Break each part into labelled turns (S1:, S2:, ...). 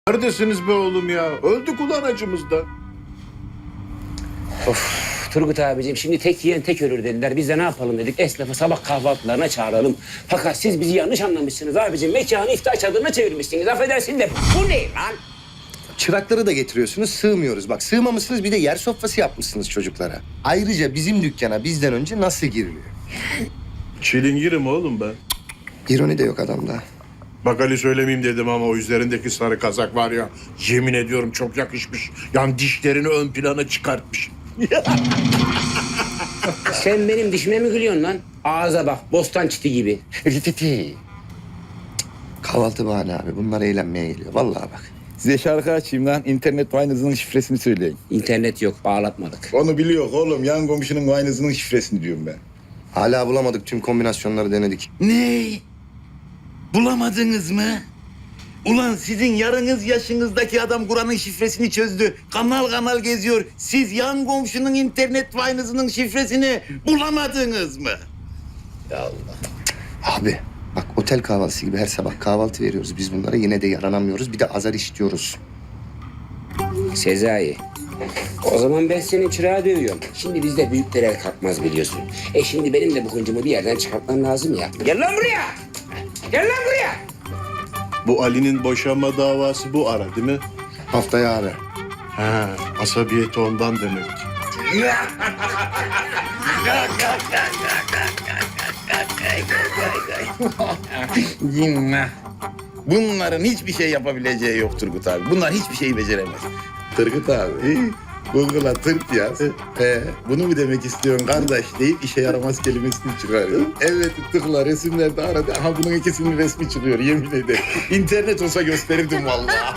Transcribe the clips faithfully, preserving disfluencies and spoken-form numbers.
S1: Neredesiniz be oğlum ya? Öldük ulan acımızda.
S2: Of Turgut abicim şimdi tek yiyen tek ölür dediler. Biz de ne yapalım dedik. Esnafı sabah kahvaltılarına çağıralım. Fakat siz bizi yanlış anlamışsınız abicim. Mekanı iftar çadırına çevirmişsiniz. Affedersin de bu ne lan?
S3: Çırakları da getiriyorsunuz, sığmıyoruz. Bak sığmamışsınız, bir de yer sofrası yapmışsınız çocuklara. Ayrıca bizim dükkana bizden önce nasıl giriliyor?
S1: Çilingirim oğlum ben.
S3: İroni de yok adamda.
S1: Bak Ali söylemeyeyim dedim ama o üzerindeki sarı kazak var ya. Yemin ediyorum çok yakışmış. Yani dişlerini ön plana çıkartmış.
S2: Sen benim dişime mi gülüyorsun lan? Ağza bak bostan çiti gibi.
S3: Rititi. Kahvaltı bahane abi. Bunlar eğlenmeye geliyor. Vallahi bak.
S4: Size şarkı açayım lan. İnternet Wine'ınızın şifresini söyleyin.
S2: İnternet yok bağlatmadık.
S4: Onu biliyor oğlum. Yan komşunun Wine'ınızın şifresini diyorum ben.
S3: Hala bulamadık. Tüm kombinasyonları denedik.
S5: Ne? Bulamadınız mı? Ulan sizin yarınız yaşınızdaki adam Kur'an'ın şifresini çözdü. Kanal kanal geziyor. Siz yan komşunun internet Wine'ınızın şifresini bulamadınız mı? Ya Allah.
S3: Abi bak otel kahvaltısı gibi her sabah kahvaltı veriyoruz. Biz bunlara yine de yaranamıyoruz. Bir de azar işliyoruz.
S2: Sezai. O zaman ben senin çırağı dövüyorum. Şimdi bizde büyükler el kalkmaz biliyorsun. E şimdi benim de bu hıncımı bir yerden çıkartmam lazım ya. Gel lan buraya. Gel lan buraya.
S1: Bu Ali'nin boşanma davası bu ara değil mi?
S3: Haftaya abi.
S1: Ha, asabiyeti ondan demek.
S5: Cinnah. Bunların hiçbir şey yapabileceği yok Turgut abi. Bunlar hiçbir şeyi beceremez. Turgut abi, Google'a tırt yaz. Ee, bunu mu demek istiyorsun kardeş deyip işe yaramaz kelimesini çıkarıyor. Evet tıkla resimlerde aradı. Aha bunun ikisinin resmi çıkıyor yemin ederim. İnternet olsa gösterirdim vallahi.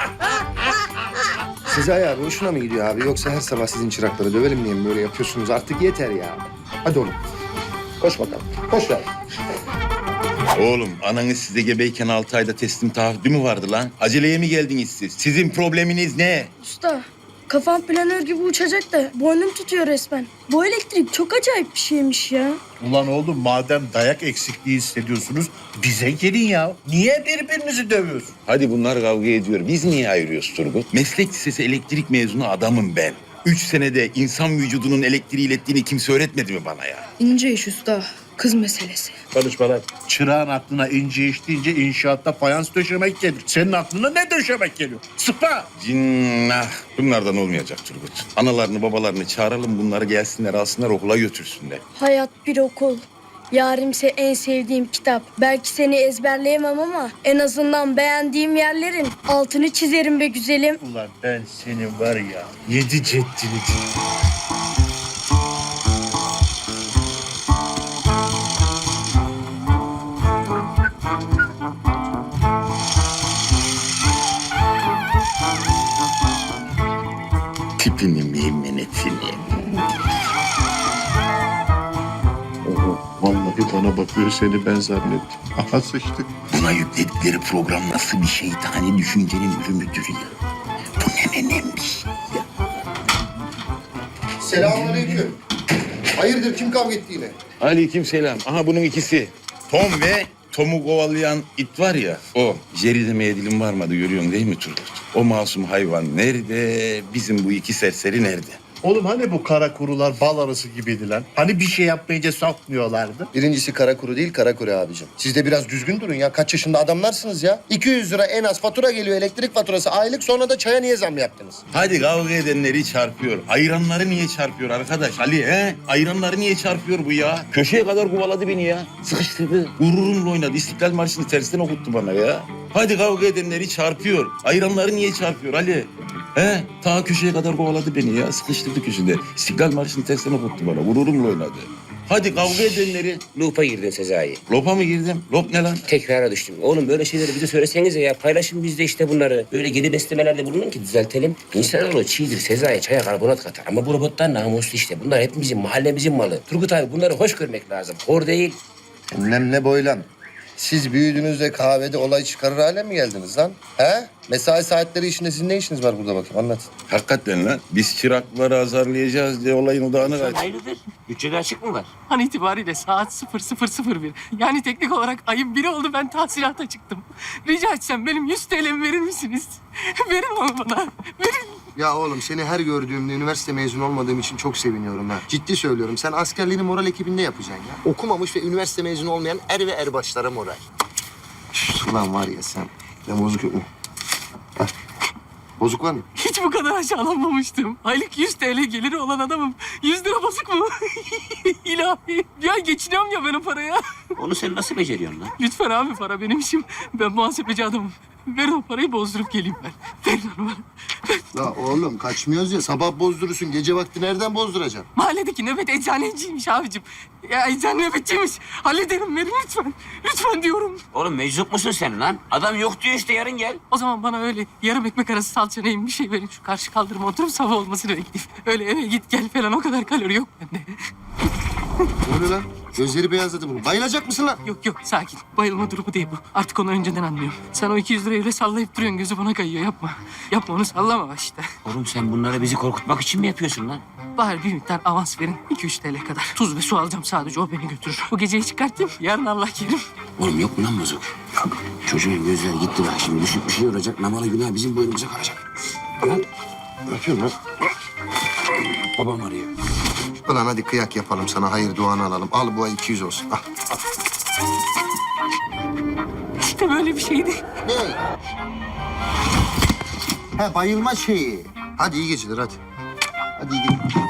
S3: Sezai abi hoşuna mı gidiyor abi? Yoksa her sabah sizin çırakları dövelim diye mi böyle yapıyorsunuz? Artık yeter ya. Hadi oğlum. Koş bakalım. Koş ver.
S5: Oğlum ananız size gebeyken altı ayda teslim taahhüdü mü vardı lan? Aceleye mi geldiniz siz? Sizin probleminiz ne?
S6: Usta, kafam planör gibi uçacak da boynum tutuyor resmen. Bu elektrik çok acayip bir şeymiş ya.
S1: Ulan oğlum madem dayak eksikliği hissediyorsunuz bize gelin ya. Niye birbirinizi dövüyorsunuz?
S5: Hadi bunlar kavga ediyor. Biz niye ayırıyoruz Turgut? Meslek lisesi elektrik mezunu adamım ben. Üç senede insan vücudunun elektriği ilettiğini kimse öğretmedi mi bana ya?
S6: İnce iş usta, kız meselesi.
S1: Konuşma lan. Çırağın aklına ince iş deyince inşaatta fayans döşemek gelir. Senin aklına ne döşemek geliyor? Sıpa!
S5: Cinnah. Bunlardan olmayacak Turgut. Analarını babalarını çağıralım bunları gelsinler alsınlar okula götürsünler.
S6: Hayat bir okul. Yarimse en sevdiğim kitap. Belki seni ezberleyemem ama en azından beğendiğim yerlerin altını çizerim be güzelim.
S1: Ulan ben senin var ya yedi ceddini.
S5: Tipini meymenetini.
S1: Oho, vallahi bana bakıyor seni ben zannettim. Aha sıçtık.
S5: Buna yükledikleri program nasıl bir şeytani düşüncenin ürünüdür ya. Bu ne nenem bir şey ya.
S3: Selamünaleyküm. Hayırdır kim kavga etti yine?
S5: Aleykümselam. Aha bunun ikisi. Tom ve Tom'u kovalayan it var ya o. Jerry demeye dilim varmadı görüyorsun değil mi Turgut? O masum hayvan nerede? Bizim bu iki serseri nerede?
S1: Oğlum hani bu kara kurular bal arısı gibiydi lan? Hani bir şey yapmayınca sokmuyorlardı?
S3: Birincisi kara kuru değil kara kuru abicim. Siz de biraz düzgün durun ya. Kaç yaşında adamlarsınız ya. iki yüz lira en az fatura geliyor elektrik faturası aylık, sonra da çaya niye zam yaptınız?
S5: Hadi kavga edenleri çarpıyor. Ayranları niye çarpıyor arkadaş? Ali he? Ayranları niye çarpıyor bu ya? Köşeye kadar kovaladı beni ya. Sıkıştırdı. Gururumla oynadı. İstiklal Marşı'nı tersten okuttu bana ya. Hadi kavga edenleri çarpıyor. Ayranları niye çarpıyor Ali? He? Ta köşeye kadar kovaladı beni ya. Sıkıştırdı köşede. İstiklal Marşı'nı tersten okuttu bana. Gururumla oynadı. Hadi kavga edenleri...
S2: Loop'a girdin Sezai.
S5: Lopa mı girdim? Lop ne lan?
S2: Tekrara düştüm. Oğlum böyle şeyleri bize söylesenize ya. Paylaşın biz de işte bunları. Böyle geri beslemelerde bulunun ki düzeltelim. İnsanoğlu çiğdir, Sezai çaya karbonat katar. Ama bu robotlar namuslu işte. Bunlar hepimizin, mahallemizin malı. Turgut abi bunları hoş görmek lazım. Hor değil.
S3: Enlemle boylan. Siz büyüdüğünüzde kahvede olay çıkarır hale mi geldiniz lan? He? Mesai saatleri işinde sizin ne işiniz var burada bakayım anlat.
S5: Hakikaten lan. Biz çırakları azarlayacağız diye olayın odağını kaç.
S2: Hayırdır? Bütçede açık mı var?
S7: An itibariyle saat sıfır sıfır sıfır bir. Yani teknik olarak ayın biri oldu ben tahsilata çıktım. Rica etsem benim yüz T L'mi verir misiniz? Verin onu bana. Verin.
S3: Ya oğlum seni her gördüğümde üniversite mezunu olmadığım için çok seviniyorum ha. Ciddi söylüyorum. Sen askerliğini moral ekibinde yapacaksın ya. Okumamış ve üniversite mezunu olmayan er ve erbaşlara moral. Üf, ulan var ya sen. Ben bozuk yok mu? Heh. Bozuk var mı?
S7: Hiç bu kadar aşağılanmamıştım. Aylık yüz T L geliri olan adamım. yüz lira bozuk mu? İlahi. Ya geçiniyorum ya ben o paraya.
S2: Onu sen nasıl beceriyorsun lan?
S7: Lütfen abi para benim işim. Ben muhasebeci adamım. Verin o parayı bozdurup geleyim ben. Verin onu bana.
S3: Ya oğlum kaçmıyoruz ya. Sabah bozdurursun. Gece vakti nereden bozduracaksın?
S7: Mahalledeki nöbet eczaneciymiş abicim. Ya eczane nöbetçiymiş. Hallederim verin lütfen. Lütfen diyorum.
S2: Oğlum meczup musun sen lan? Adam yok diyor işte yarın gel.
S7: O zaman bana öyle yarım ekmek arası salça neyim bir şey verin. Şu karşı kaldırıma oturup sabah olmasını bekleyeyim. Öyle eve git gel falan o kadar kalori yok bende.
S3: Ne oluyor lan? Gözleri beyazladı bunu. Bayılacak mısın lan?
S7: Yok yok sakin. Bayılma durumu değil bu. Artık onu önceden anlıyorum. Sen o iki yüz lirayı öyle sallayıp duruyorsun. Gözü bana kayıyor. Yapma. Yapma onu sallama işte.
S2: Oğlum sen bunları bizi korkutmak için mi yapıyorsun lan?
S7: Bari bir miktar avans verin. iki üç T L kadar. Tuz ve su alacağım sadece. O beni götürür. Bu geceyi çıkartayım. Yarın Allah kerim.
S2: Oğlum yok mu lan bozuk? Yok. Çocuğun gözleri gitti bak şimdi. Düşüp bir şey olacak. Namalı günah bizim boynumuza kalacak. Lan.
S3: Ne yapıyorsun lan?
S2: Babam arıyor.
S3: Ulan hadi kıyak yapalım sana. Hayır duanı alalım. Al bu ay iki yüz olsun. Al.
S7: İşte böyle bir şeydi.
S3: Ne? Ha bayılma şeyi. Hadi iyi geceler hadi. Hadi iyi geceler.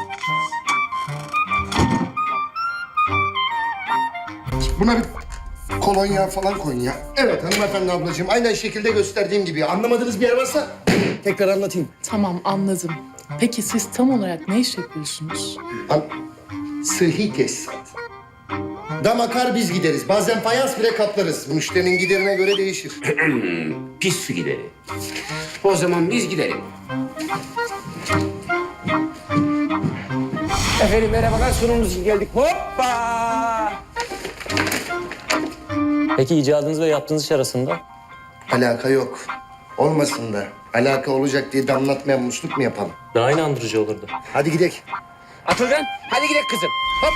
S3: Buna bir kolonya falan koyun ya. Evet hanımefendi ablacığım. Aynen şekilde gösterdiğim gibi. Anlamadığınız bir yer varsa tekrar anlatayım.
S8: Tamam anladım. Peki siz tam olarak ne iş yapıyorsunuz?
S3: An Sıhhi tesisat. Dam akar biz gideriz. Bazen fayans bile kaplarız. Müşterinin giderine göre değişir.
S2: Pis su gideri. O zaman biz gidelim. Efendim merhabalar sunumumuz için geldik. Hoppa!
S9: Peki icadınız ve yaptığınız iş arasında?
S3: Alaka yok. Olmasın da. Alaka olacak diye damlatmayan musluk mu yapalım?
S9: Daha inandırıcı olurdu.
S3: Hadi gidelim.
S2: Atılgan hadi gidelim kızım. Hop.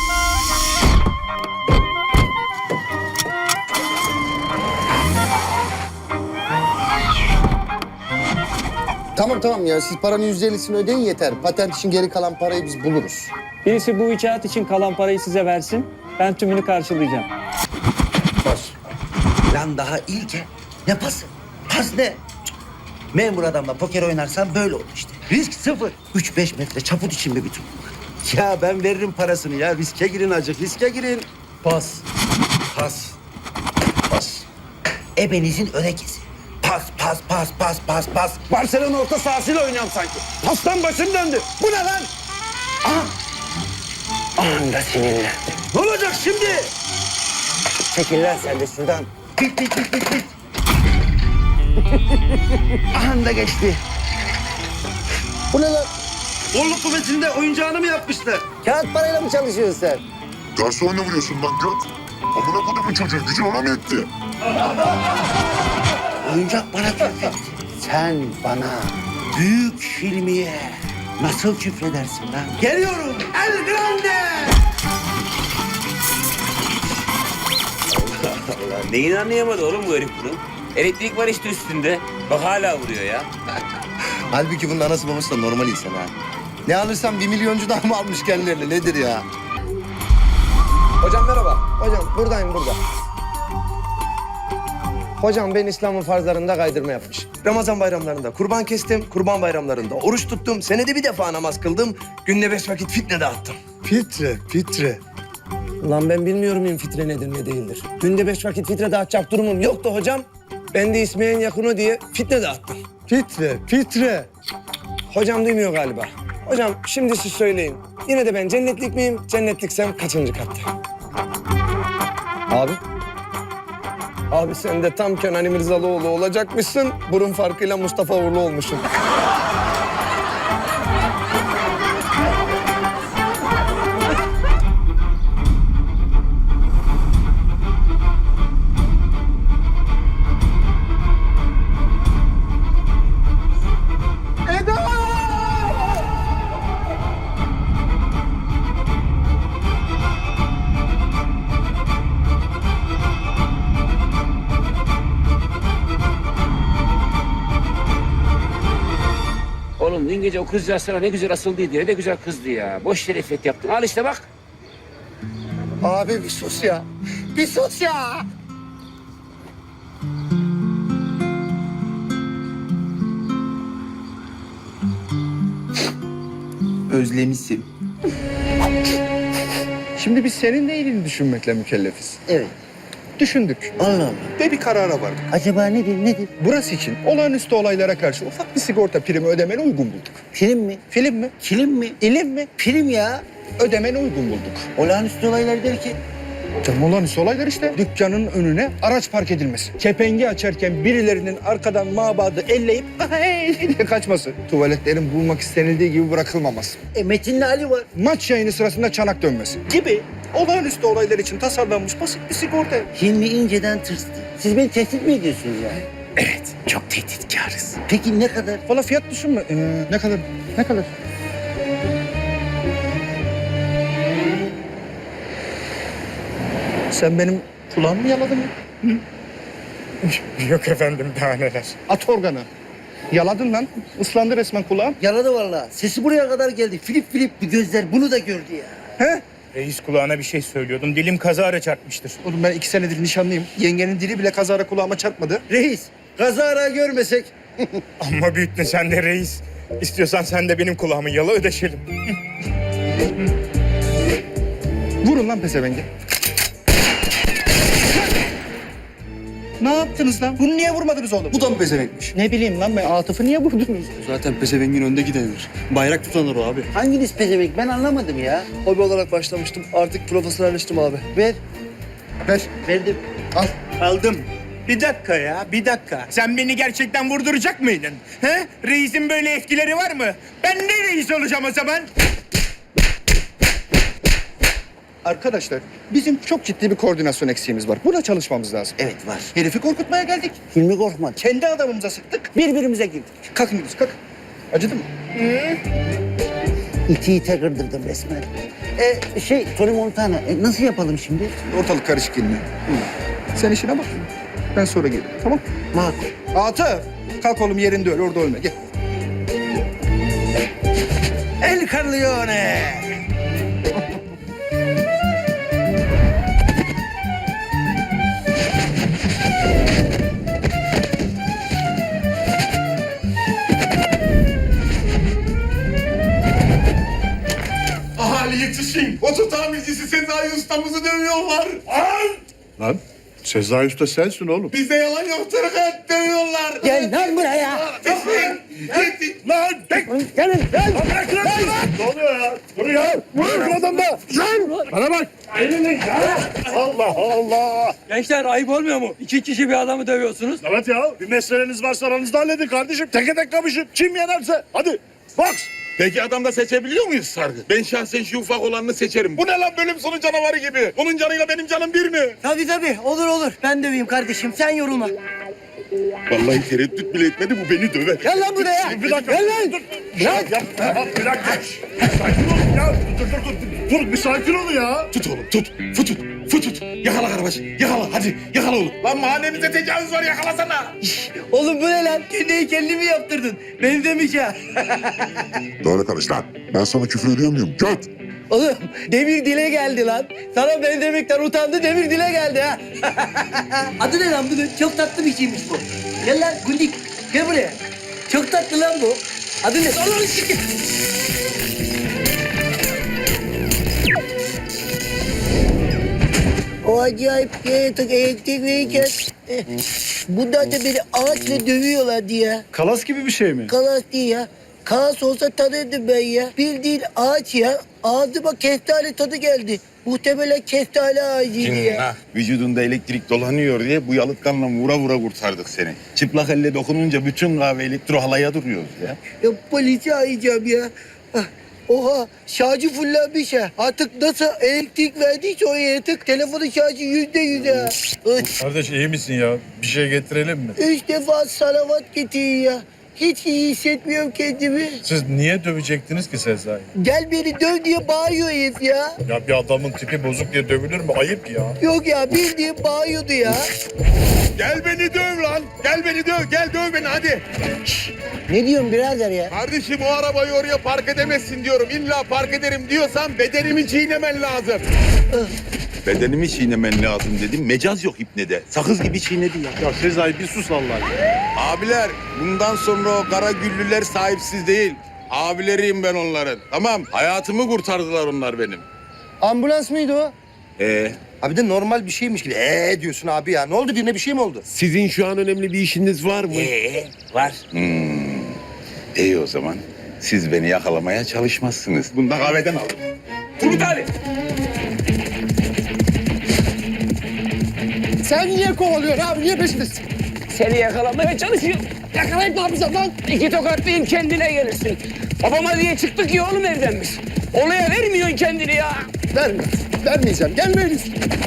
S3: Tamam tamam ya. Siz paranın yüzde ellisini ödeyin yeter. Patent için geri kalan parayı biz buluruz.
S9: Birisi bu icraat için kalan parayı size versin. Ben tümünü karşılayacağım.
S3: Bas.
S10: Lan daha ilke. Ne pası? Pas ne? Cık. Memur adamla poker oynarsan böyle olur işte. Risk sıfır. Üç beş metre çaput için mi bütün bunlar? Ya ben veririm parasını ya. Riske girin acık. Riske girin.
S9: Pas.
S10: Pas. Pas. Ebenizin örekesi. Pas, pas, pas, pas, pas, pas. Barcelona orta sahasıyla oynuyorum sanki. Pastan başım döndü. Bu ne lan? Aha.
S2: Anında sinirlendim.
S10: Ne olacak şimdi?
S2: Çekil lan sen de şuradan.
S10: Bit, bit, bit, bit, bit. Aha da geçti.
S3: Bu ne lan?
S10: Bolluk kuvvetinde oyuncağını mı yapmışlar?
S3: Kağıt parayla mı çalışıyorsun sen?
S1: Garsonla vuruyorsun lan göt. Amına kodumun çocuğu gücün ona mı etti?
S10: Oyuncak bana küfretti. Sen bana büyük filmiye nasıl küfredersin lan? Geliyorum El Grande!
S2: Allah neyini anlayamadı oğlum bu herif bunu? Elektrik var işte üstünde. Bak hala vuruyor ya.
S3: Halbuki bunun anası babası da normal insan ha. Ne alırsam bir milyoncudan mı almış kendilerine nedir ya?
S11: Hocam merhaba. Hocam buradayım burada. Hocam ben İslam'ın farzlarında kaydırma yapmış. Ramazan bayramlarında kurban kestim, kurban bayramlarında oruç tuttum, senede bir defa namaz kıldım, günde beş vakit fitne dağıttım.
S3: Fitre, fitre.
S11: Lan ben bilmiyorum in fitre nedir ne değildir. Günde beş vakit fitre dağıtacak durumum yoktu hocam. Ben de İsmail'in yakını diye fitne dağıttım.
S3: Fitre, fitre.
S11: Hocam duymuyor galiba. Hocam şimdi siz söyleyin. Yine de ben cennetlik miyim? Cennetliksem kaçıncı katta? Abi. Abi sen de tam Kenan İmirzalıoğlu olacakmışsın. Burun farkıyla Mustafa Uğurlu olmuşsun.
S2: Oğlum dün gece o kızcağız sana ne güzel asıldıydı, ne de güzel kızdı ya. Boş yere iffet yaptın. Al işte bak.
S3: Abi bir sus ya. Bir sus ya.
S10: Özlemişim.
S11: Şimdi biz senin de iyiliğini düşünmekle mükellefiz.
S10: Evet.
S11: Düşündük
S10: Allah Allah.
S11: ve bir karara vardık.
S10: Acaba nedir nedir?
S11: Burası için olağanüstü olaylara karşı ufak bir sigorta primi ödemeni uygun bulduk.
S10: Film mi?
S11: Film mi?
S10: Kilim mi?
S11: İlim mi?
S10: Film ya.
S11: Ödemeni uygun bulduk.
S10: Olağanüstü olaylar derken.
S11: Canım olağanüstü olaylar işte. Dükkanın önüne araç park edilmesi. Kepengi açarken birilerinin arkadan mabadı elleyip "Hey!" diye kaçması. Tuvaletlerin bulmak istenildiği gibi bırakılmaması.
S10: E Metin'le Ali var.
S11: Maç yayını sırasında çanak dönmesi gibi olağanüstü olaylar için tasarlanmış basit bir sigorta.
S10: Hilmi inceden tırstı. Siz beni tehdit mi ediyorsunuz yani?
S11: Evet, çok tehditkarız.
S10: Peki ne kadar?
S11: Valla fiyat düşünme. Ee, ne kadar? Ne kadar? Sen benim kulağımı mı yaladın mı? Yok efendim, daha neler. At organı. Yaladın lan. Islandı resmen kulağım.
S10: Yaladı vallahi. Sesi buraya kadar geldi. Filip filip bir gözler bunu da gördü ya.
S11: He?
S12: Reis kulağına bir şey söylüyordum. Dilim kazara çarpmıştır.
S11: Oğlum ben iki senedir nişanlıyım. Yengenin dili bile kazara kulağıma çarpmadı.
S10: Reis, kazara görmesek.
S12: Ama büyüttün sen de reis. İstiyorsan sen de benim kulağımı yala, ödeşelim.
S11: Vurun lan pezevenge. Ne yaptınız lan? Bunu niye vurmadınız oğlum?
S9: Bu da mı pezevenkmiş?
S11: Ne bileyim lan ben. Atıf'ı niye vurdunuz?
S9: Zaten pezevengin önde gidenidir. Bayrak tutanır o abi.
S10: Hanginiz pezevenk ben anlamadım ya.
S11: Hobi olarak başlamıştım. Artık profesyonelleştim abi.
S10: Ver,
S11: Ver.
S10: verdim.
S11: Al.
S12: Aldım. Bir dakika ya, bir dakika. Sen beni gerçekten vurduracak mıydın? He? Reisin böyle etkileri var mı? Ben ne reis olacağım o zaman?
S11: Arkadaşlar bizim çok ciddi bir koordinasyon eksiğimiz var. Buna çalışmamız lazım.
S10: Evet var.
S11: Herifi korkutmaya geldik.
S10: Hilmi korkmadı.
S11: Kendi adamımıza sıktık. Birbirimize girdik. Kalkın gidiyoruz kalk. Acıdı mı?
S10: İti ite kırdırdım resmen. E şey Tony Montana e, nasıl yapalım şimdi?
S11: Ortalık karışık yine. Sen işine bak. Ben sonra gelirim. Tamam?
S10: Makul.
S11: Atıf. Kalk oğlum yerinde öl. Orada ölme. Gel.
S10: El Corleone.
S5: Ahali yetişin. Oto tamircisi Sezai ustamızı dövüyorlar.
S1: Lan Sezai Usta sensin oğlum.
S5: Bize yalan yaptırık et dövüyorlar.
S10: Gel lan buraya.
S5: Yetişin.
S1: Lan!
S10: Gelin gel.
S1: Bırak lan! Ne oluyor ya? Dur ya! Vurun şu adamı! Lan! Bana bak! Elini ya! Allah Allah!
S9: Gençler ayıp olmuyor mu? İki kişi bir adamı dövüyorsunuz.
S1: Evet ya, bir meseleniz varsa aranızda halledin kardeşim. Teke tek kapışın. Kim yenerse. Hadi, box!
S5: Peki adamda seçebiliyor muyuz Sargı? Ben şahsen şu ufak olanını seçerim. Bu ne lan bölüm sonu canavarı gibi? Onun canıyla benim canım bir mi?
S10: Tabii tabii olur olur. Ben döveyim kardeşim sen yorulma.
S5: Vallahi tereddüt bile etmedi bu beni döver.
S10: Gel lan buraya.
S1: Bir dakika.
S10: Gel lan.
S1: Dur. Ya, ya, bir dakika. Sakin olun ya. Dur, dur, dur. Dur, bir sakin olun ya.
S5: Tut oğlum tut. Futut. Futut. Yakala Karabaş. Yakala hadi. Yakala oğlum. Lan mahallemize tecavüz var yakalasana.
S10: Oğlum bu ne lan? Kendi heykelini mi yaptırdın? Benim demeyeceğim.
S13: Doğru konuş lan. Ben sana küfür ediyor muyum? Göt!
S10: Oğlum demir dile geldi lan. Sana ben demekten utandı demir dile geldi ha. Adı ne lan bunun? Çok tatlı bir şeymiş bu. Gel lan Gundik. Gel buraya. Çok tatlı lan bu. Adı ne? Allah'ım şükür. O acayip yaratık elektrik verirken eh, bunlar da beni ağaçla dövüyorlardı ya.
S12: Kalas gibi bir şey mi?
S10: Kalas değil ya. Kalas olsa tanırdım ben ya. Bildiğin ağaç ya. Ağzıma kestane tadı geldi. Muhtemelen kestane ağacıydı ya.
S5: Ha, vücudunda elektrik dolanıyor diye bu yalıtkanla vura vura kurtardık seni. Çıplak elle dokununca bütün kahve elektro halaya duruyoruz ya.
S10: Ya polisi arayacağım ya. Ah, oha şarjı fullenmiş ha. Artık nasıl elektrik verdiyse o yaratık telefonun şarjı yüzde yüz ha. Üç,
S1: Kardeş iyi misin ya? Bir şey getirelim mi?
S10: üç defa salavat getirin ya. Hiç iyi hissetmiyorum kendimi.
S1: Siz niye dövecektiniz ki Sezai?
S10: Gel beni döv diye bağırıyor herif ya.
S1: Ya bir adamın tipi bozuk diye dövülür mü? Ayıp ya.
S10: Yok ya bildiğin bağırıyordu ya.
S5: Gel beni döv lan. Gel beni döv. Gel döv beni hadi. Şşş,
S11: Ne diyorsun birader ya?
S5: Kardeşim o arabayı oraya park edemezsin diyorum. İlla park ederim diyorsan bedenimi çiğnemen lazım. Bedenimi çiğnemen lazım dedim. Mecaz yok ipnede. Sakız gibi çiğnedi ya.
S1: Ya Sezai bir sus Allah aşkına.
S5: Abiler bundan sonra o kara güllüler sahipsiz değil. Abileriyim ben onların. Tamam hayatımı kurtardılar onlar benim.
S3: Ambulans mıydı o?
S5: Ee,
S3: Abi de normal bir şeymiş gibi. Ee diyorsun abi ya. Ne oldu, birine bir şey mi oldu?
S1: Sizin şu an önemli bir işiniz var mı?
S2: Ee, var.
S5: iyi o zaman. Siz beni yakalamaya çalışmazsınız. Bunu da kahveden alın.
S2: Turgut abi.
S11: Sen niye kovalıyorsun abi? Niye peşindesin?
S2: Seni yakalamaya çalışıyor.
S11: Yakalayıp ne yapacağım lan?
S2: İki tokatlayayım kendine gelirsin. Babama diye çıktık ya oğlum evden biz. Olaya vermiyorsun kendini ya.
S11: Verme. Vermeyeceğim. Gelmeyiz.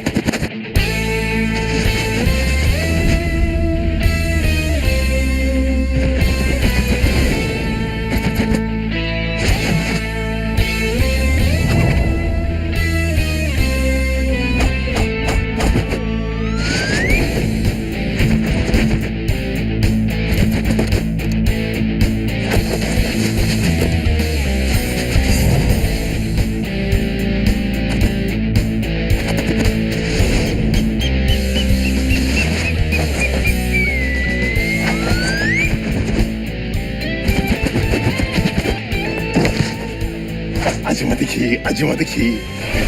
S5: Acımadı ki, acımadı ki.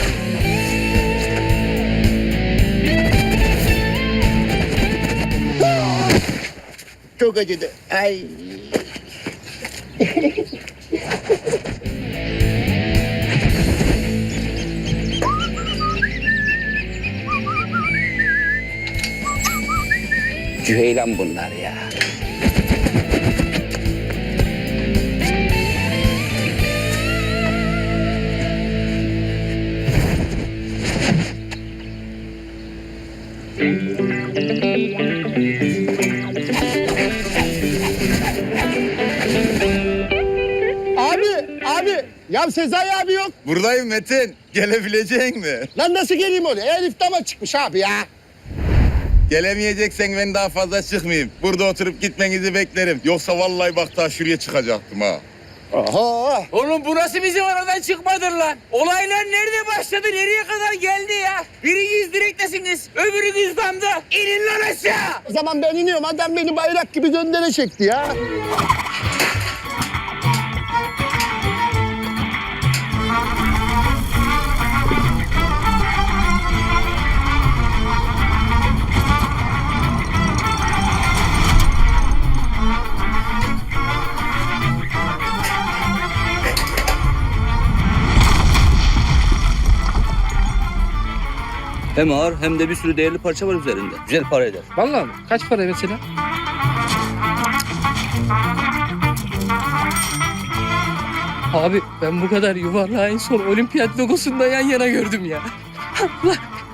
S3: Çok acıdı. Ay.
S2: Cüheylan bunlar ya.
S11: Abi, abi. Ya Sezai abi yok.
S5: Buradayım Metin. Gelebilecek mi?
S11: Lan nasıl geleyim oraya? Elif dama çıkmış abi ya.
S5: Gelemeyeceksen ben daha fazla çıkmayayım. Burada oturup gitmenizi beklerim. Yoksa vallahi bak daha şuraya çıkacaktım ha.
S11: Oho.
S2: Oğlum burası bizim aradan çıkmadır lan. Olaylar nerede başladı, nereye kadar geldi ya? Biriniz direktesiniz, öbürünüz damda. İnin lan aşağı.
S11: O zaman ben iniyorum. Adam beni bayrak gibi göndere çekti ya.
S9: Hem ağır hem de bir sürü değerli parça var üzerinde. Güzel para eder.
S7: Vallahi mi? Kaç para mesela? Abi ben bu kadar yuvarlağı en son olimpiyat logosunda yan yana gördüm ya. Allah.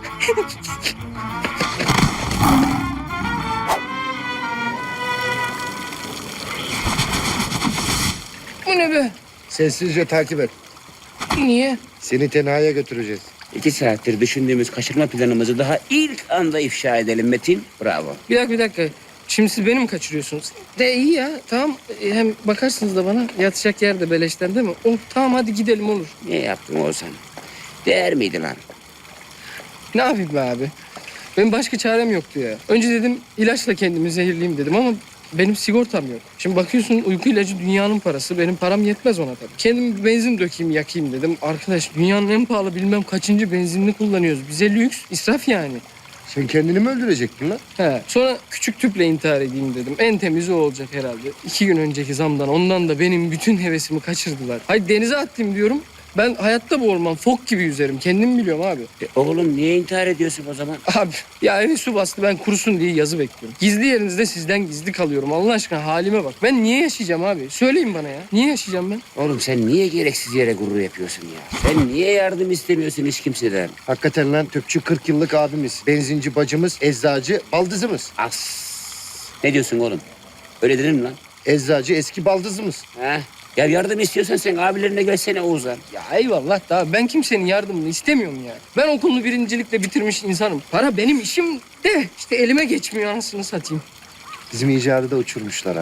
S7: Bu ne be?
S11: Sessizce takip et.
S7: Niye?
S11: Seni tenhaya götüreceğiz.
S2: İki saattir düşündüğümüz kaçırma planımızı daha ilk anda ifşa edelim Metin. Bravo.
S7: Bir dakika bir dakika. Şimdi siz beni mi kaçırıyorsunuz? De iyi ya tamam. E, Hem bakarsınız da bana yatacak yer de beleşten değil mi? Oh tamam hadi gidelim olur.
S2: Ne yaptın Oğuzhan? Değer miydi lan?
S7: Ne yapayım be abi? Benim başka çarem yoktu ya. Önce dedim ilaçla kendimi zehirleyeyim dedim ama benim sigortam yok. Şimdi bakıyorsun uyku ilacı dünyanın parası. Benim param yetmez ona tabii. Kendim bir benzin dökeyim yakayım dedim. Arkadaş dünyanın en pahalı bilmem kaçıncı benzinini kullanıyoruz. Bize lüks, israf yani.
S11: Sen kendini mi öldürecektin lan?
S7: He. Sonra küçük tüple intihar edeyim dedim. En temizi o olacak herhalde. İki gün önceki zamdan ondan da benim bütün hevesimi kaçırdılar. Hayır denize attım diyorum. Ben hayatta boğulmam. Fok gibi yüzerim. Kendim biliyorum abi.
S2: E, oğlum niye intihar ediyorsun o zaman?
S7: Abi ya evi su bastı ben kurusun diye yazı bekliyorum. Gizli yerinizde sizden gizli kalıyorum. Allah aşkına halime bak. Ben niye yaşayacağım abi? Söyleyin bana ya. Niye yaşayacağım ben?
S2: Oğlum sen niye gereksiz yere gurur yapıyorsun ya? Sen niye yardım istemiyorsun hiç kimseden?
S3: Hakikaten lan, tüpçü kırk yıllık abimiz, benzinci bacımız, eczacı baldızımız.
S2: As. Ne diyorsun oğlum? Öyle denir mi lan?
S3: Eczacı eski baldızımız.
S2: Ha? Ya yardım istiyorsan sen abilerine gelsene Oğuzhan.
S7: Ya eyvallah da ben kimsenin yardımını istemiyorum ya. Ben okulunu birincilikle bitirmiş insanım. Para benim işim de işte elime geçmiyor anasını satayım.
S3: Bizim icadı da uçurmuşlar ha.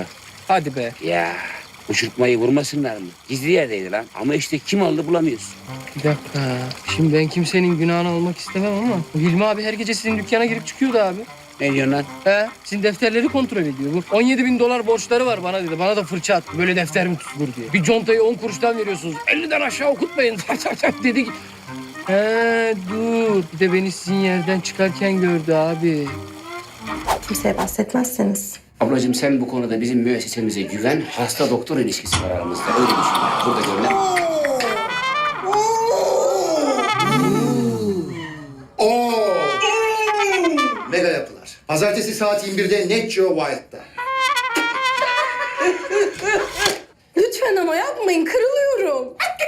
S7: Hadi be.
S2: Ya uçurtmayı vurmasınlar mı? Gizli yerdeydi lan. Ama işte kim aldı bulamıyorsun.
S7: Bir dakika. Şimdi ben kimsenin günahını almak istemem ama Hilmi abi her gece sizin dükkana girip çıkıyordu abi.
S2: Ne diyorsun lan?
S7: He, sizin defterleri kontrol ediyor. Bu on yedi bin dolar borçları var bana dedi. Bana da fırça attı. Böyle defter mi tutulur diye. Bir contayı on kuruştan veriyorsunuz. elliden aşağı okutmayın. Dedik. He dur. Bir de beni sizin yerden çıkarken gördü abi.
S6: Kimseye bahsetmezseniz.
S2: Ablacığım sen bu konuda bizim müessesemize güven. Hasta doktor ilişkisi var aramızda. Öyle düşün. Burada görünen.
S3: Oo! Mega yapılar. Pazartesi saat yirmi birde Net Geo Wild'da.
S6: Lütfen ama yapmayın, kırılıyorum.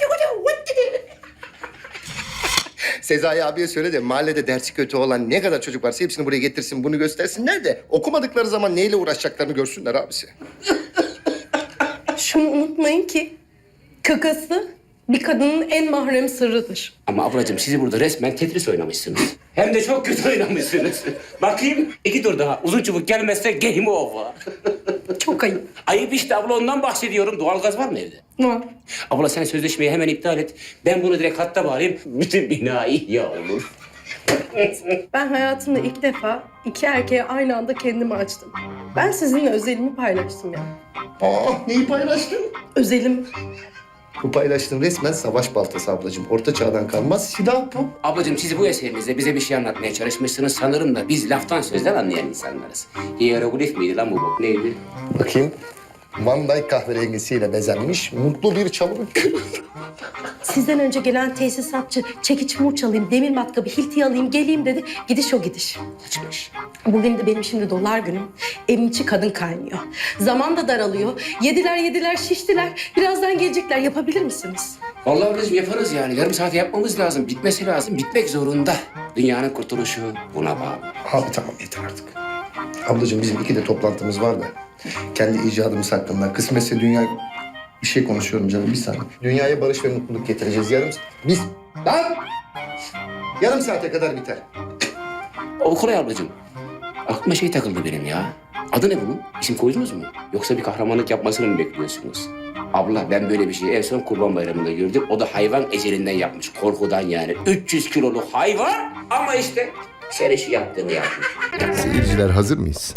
S3: Sezai abiye söyle de mahallede dersi kötü olan ne kadar çocuk varsa hepsini buraya getirsin, bunu göstersinler de okumadıkları zaman neyle uğraşacaklarını görsünler abisi.
S6: Şunu unutmayın ki kakası bir kadının en mahrem sırrıdır.
S2: Ama ablacığım sizi burada resmen Tetris oynamışsınız. Hem de çok kötü oynamışsınız. Bakayım iki tur daha. Uzun çubuk gelmezse game over.
S6: Çok ayıp.
S2: Ayıp işte abla, ondan bahsediyorum. Doğalgaz var mı evde?
S6: Var.
S2: Abla sen sözleşmeyi hemen iptal et. Ben bunu direkt hatta bağlayayım. Bütün bina ihya olur.
S6: Ben hayatımda ilk defa iki erkeğe aynı anda kendimi açtım. Ben sizinle özelimi paylaştım ya.
S3: Aa, neyi paylaştın?
S6: Özelim.
S3: Bu paylaştığın resmen savaş baltası ablacığım. Orta çağdan kalmaz silah bu.
S2: Ablacığım siz bu eserinizde bize bir şey anlatmaya çalışmışsınız. Sanırım da biz laftan sözden anlayan insanlarız. Hieroglif miydi lan bu bok? Neydi?
S3: Bakayım. Van Dyke kahverengisiyle bezenmiş mutlu bir çalım.
S6: Sizden önce gelen tesisatçı çekiç murç alayım, demir matkabı, hilti alayım, geleyim dedi. Gidiş o gidiş.
S2: Kaçmış.
S6: Bugün de benim şimdi dolar günüm. Evin içi kadın kaynıyor. Zaman da daralıyor. Yediler yediler şiştiler. Birazdan gelecekler. Yapabilir misiniz?
S2: Vallahi ablacığım yaparız yani. Yarım saat yapmamız lazım. Bitmesi lazım. Bitmek zorunda. Dünyanın kurtuluşu buna bağlı.
S3: Abi tamam yeter artık. Ablacığım bizim iki de toplantımız var da. Kendi icadımız hakkında. Kısmetse dünya... Bir şey konuşuyorum canım bir saniye. Dünyaya barış ve mutluluk getireceğiz yarım... Biz... Lan! Yarım saate kadar biter.
S2: Okulay ablacığım. Aklıma şey takıldı benim ya. Adı ne bunun? İsim koydunuz mu? Yoksa bir kahramanlık yapmasını mı bekliyorsunuz? Abla ben böyle bir şeyi en son Kurban Bayramı'nda gördüm. O da hayvan ecelinden yapmış. Korkudan yani. üç yüz kiloluk hayvan ama işte sen işi yaptığını yapmış.
S13: Seyirciler hazır mıyız?